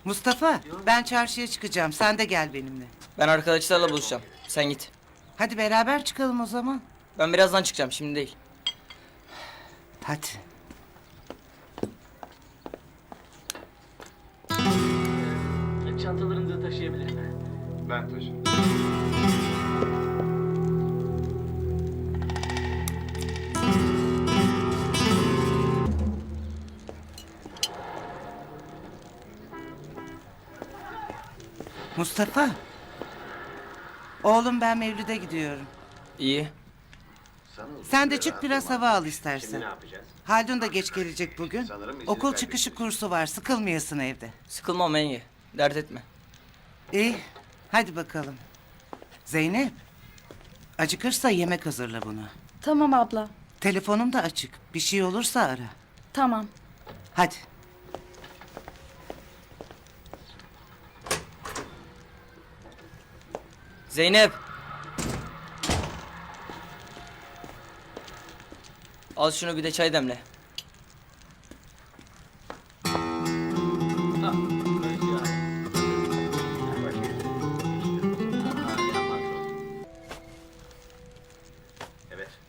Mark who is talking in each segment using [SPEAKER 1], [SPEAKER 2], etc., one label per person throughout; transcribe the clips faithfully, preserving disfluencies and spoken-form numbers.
[SPEAKER 1] Mustafa, ben çarşıya çıkacağım. Sen de gel benimle.
[SPEAKER 2] Ben arkadaşlarla buluşacağım. Sen git.
[SPEAKER 1] Hadi beraber çıkalım o zaman.
[SPEAKER 2] Ben birazdan çıkacağım, şimdi değil.
[SPEAKER 1] Hadi.
[SPEAKER 3] Çantalarınızı taşıyabilir mi?
[SPEAKER 4] Ben taşırım.
[SPEAKER 1] Mustafa. Oğlum ben Mevlüt'e gidiyorum.
[SPEAKER 2] İyi.
[SPEAKER 1] Sen de çık biraz hava al istersen.
[SPEAKER 4] Şimdi ne yapacağız?
[SPEAKER 1] Haldun da geç gelecek bugün.
[SPEAKER 4] Sanırım izini
[SPEAKER 1] Okul
[SPEAKER 4] kaybettik.
[SPEAKER 1] çıkışı kursu var. Sıkılmayasın evde.
[SPEAKER 2] Sıkılmam yenge. Dert etme.
[SPEAKER 1] İyi. Hadi bakalım. Zeynep. Acıkırsa yemek hazırla bunu.
[SPEAKER 5] Tamam abla.
[SPEAKER 1] Telefonum da açık. Bir şey olursa ara.
[SPEAKER 5] Tamam.
[SPEAKER 1] Hadi.
[SPEAKER 2] Zeynep. Al şunu, bir de çay demle.
[SPEAKER 4] Evet.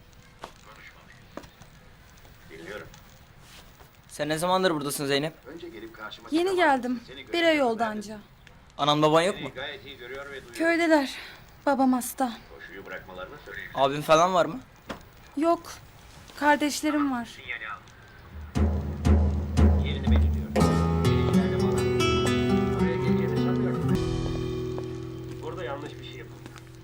[SPEAKER 4] Dinliyorum.
[SPEAKER 2] Sen ne zamandır buradasın Zeynep?
[SPEAKER 4] Önce gelip karşıma
[SPEAKER 5] Yeni
[SPEAKER 4] çıkamazsın.
[SPEAKER 5] geldim.
[SPEAKER 4] Seni
[SPEAKER 5] Bir ay
[SPEAKER 4] görüyorum
[SPEAKER 5] oldu
[SPEAKER 4] ben.
[SPEAKER 5] anca.
[SPEAKER 2] Anan baban yok mu?
[SPEAKER 4] Seni gayet iyi görüyor ve duyuyor.
[SPEAKER 5] Köydeler. Babam hasta.
[SPEAKER 4] Koşuyu bırakmalarını söyle.
[SPEAKER 2] Abin falan var mı?
[SPEAKER 5] Yok. Kardeşlerim var.
[SPEAKER 4] Sinyali al. Yerini belirliyorum. Gelişlerde falan. Oraya geleceğini sanmıyorum. Burada yanlış bir şey yapıldı.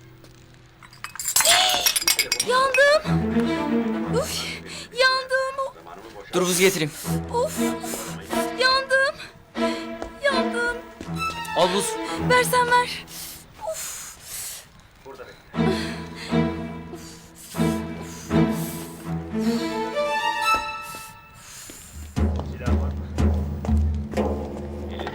[SPEAKER 5] Yandım. Uf. Yandım.
[SPEAKER 4] Zamanımı boşalt.
[SPEAKER 2] Dur buz getireyim.
[SPEAKER 5] Of. Yandım. Yandım.
[SPEAKER 2] Al buz.
[SPEAKER 5] Versen ver.
[SPEAKER 4] Burada bekle. Silah var mı? Elinde.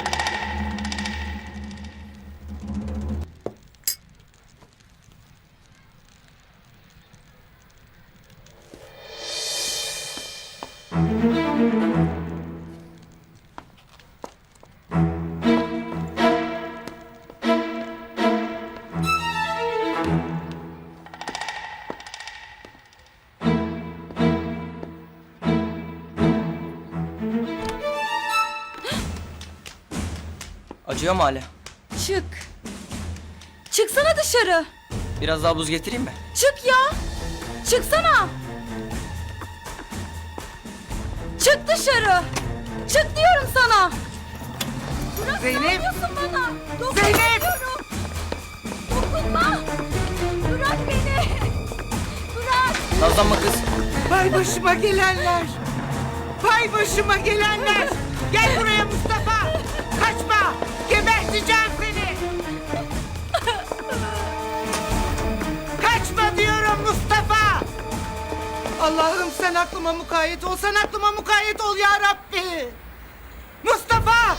[SPEAKER 2] Acıyor mu hala?
[SPEAKER 5] Çık. Çıksana dışarı.
[SPEAKER 2] Biraz daha buz getireyim mi?
[SPEAKER 5] Çık ya. Çıksana. Çık dışarı. Çık diyorum sana. Bırak,
[SPEAKER 1] Zeynep.
[SPEAKER 5] ne yapıyorsun bana? Dokunma
[SPEAKER 1] Zeynep.
[SPEAKER 5] diyorum. Dokunma. Bırak beni. Bırak.
[SPEAKER 2] Nazlanma kız.
[SPEAKER 1] Vay başıma gelenler. Vay başıma gelenler. Gel buraya Mustafa. Kaçma. Geberteceğim seni. Kaçma diyorum Mustafa. Allah'ım sen aklıma mukayyet ol. Sen aklıma mukayyet ol ya Rabbi. Mustafa.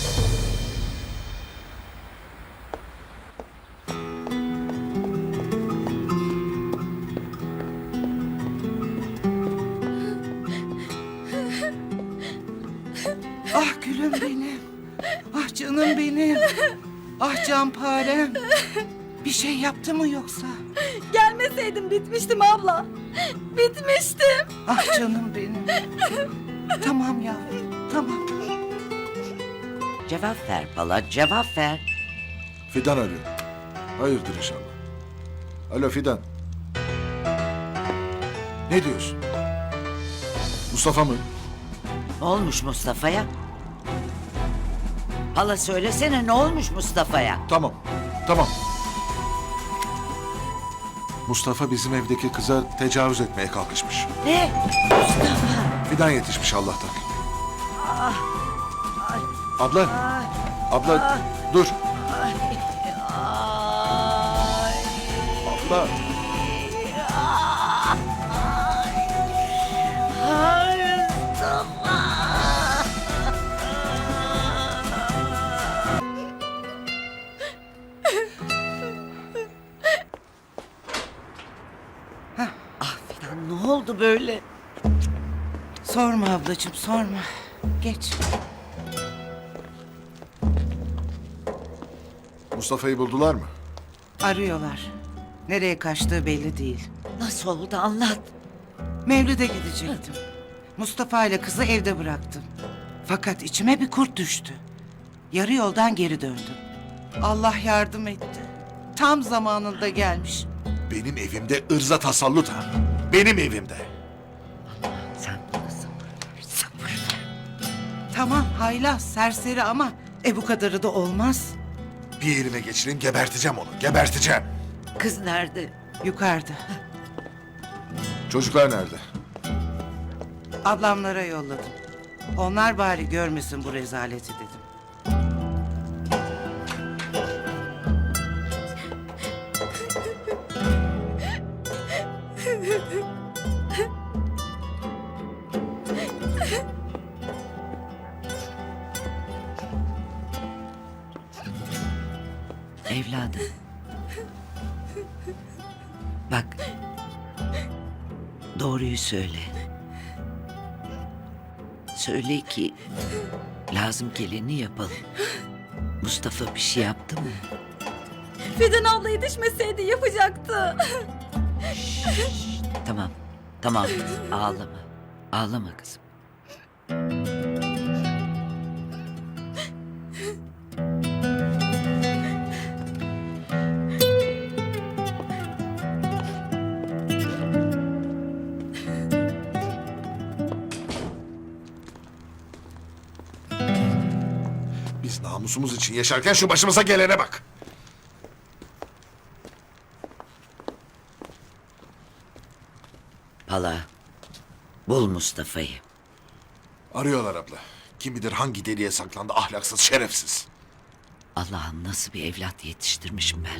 [SPEAKER 1] Ah gülüm benim. Ah canım benim. Ah canparem. Bir şey yaptı mı yoksa?
[SPEAKER 5] Gelmeseydim bitmiştim abla. Bitmiştim.
[SPEAKER 1] Ah canım benim. Tamam yavrum, tamam.
[SPEAKER 6] Cevap ver bala, cevap ver.
[SPEAKER 7] Fidan arıyor. Hayırdır inşallah. Alo Fidan. Ne diyorsun? Mustafa mı?
[SPEAKER 6] Ne olmuş Mustafa'ya? Hala söylesene ne olmuş Mustafa'ya?
[SPEAKER 7] Tamam, tamam. Mustafa bizim evdeki kıza tecavüz etmeye kalkışmış.
[SPEAKER 6] Ne? Mustafa.
[SPEAKER 7] Fidan yetişmiş Allah'tan. Abla, abla dur.
[SPEAKER 6] Ay.
[SPEAKER 7] Abla.
[SPEAKER 6] Ay Mustafa. Ah Fidan ne oldu böyle?
[SPEAKER 1] Sorma ablacığım, sorma. Geç.
[SPEAKER 7] Mustafa'yı buldular mı?
[SPEAKER 1] Arıyorlar. Nereye kaçtığı belli değil.
[SPEAKER 6] Nasıl oldu anlat.
[SPEAKER 1] Mevlid'e gidecektim. Mustafa ile kızı evde bıraktım. Fakat içime bir kurt düştü. Yarı yoldan geri döndüm. Allah yardım etti. Tam zamanında gelmiş.
[SPEAKER 7] Benim evimde ırza tasallut ha. Benim evimde.
[SPEAKER 6] Sen bana sabır ver, sabır ver.
[SPEAKER 1] Tamam haylaz, serseri ama e bu kadarı da olmaz.
[SPEAKER 7] Bir elime geçireyim geberteceğim onu. Geberteceğim.
[SPEAKER 6] Kız nerede?
[SPEAKER 1] Yukarıda.
[SPEAKER 7] Çocuklar nerede?
[SPEAKER 1] Ablamlara yolladım. Onlar bari görmesin bu rezaleti dedim.
[SPEAKER 6] Evladım. Bak. Doğruyu söyle. Söyle ki lazım geleni yapalım. Mustafa bir şey yaptı mı?
[SPEAKER 5] Fidan abla yetişmeseydi yapacaktı.
[SPEAKER 6] Tamam. Tamam kızım. Ağlama. Ağlama kızım.
[SPEAKER 7] Biz namusumuz için yaşarken şu başımıza gelene bak.
[SPEAKER 6] Pala. Bul Mustafa'yı.
[SPEAKER 7] Arıyorlar abla. Kim bilir hangi deliğe saklandı ahlaksız, şerefsiz.
[SPEAKER 6] Allah'ım nasıl bir evlat yetiştirmişim ben.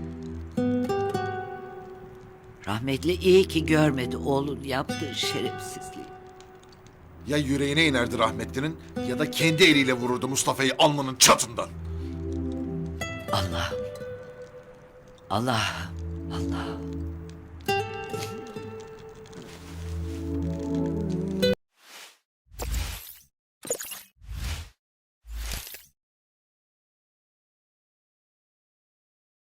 [SPEAKER 6] Rahmetli iyi ki görmedi oğlun yaptığı şerefsizliği.
[SPEAKER 7] Ya yüreğine inerdi rahmetlinin ya da kendi eliyle vururdu Mustafa'yı alnının çatından.
[SPEAKER 6] Allah'ım. Allah'ım. Allah'ım.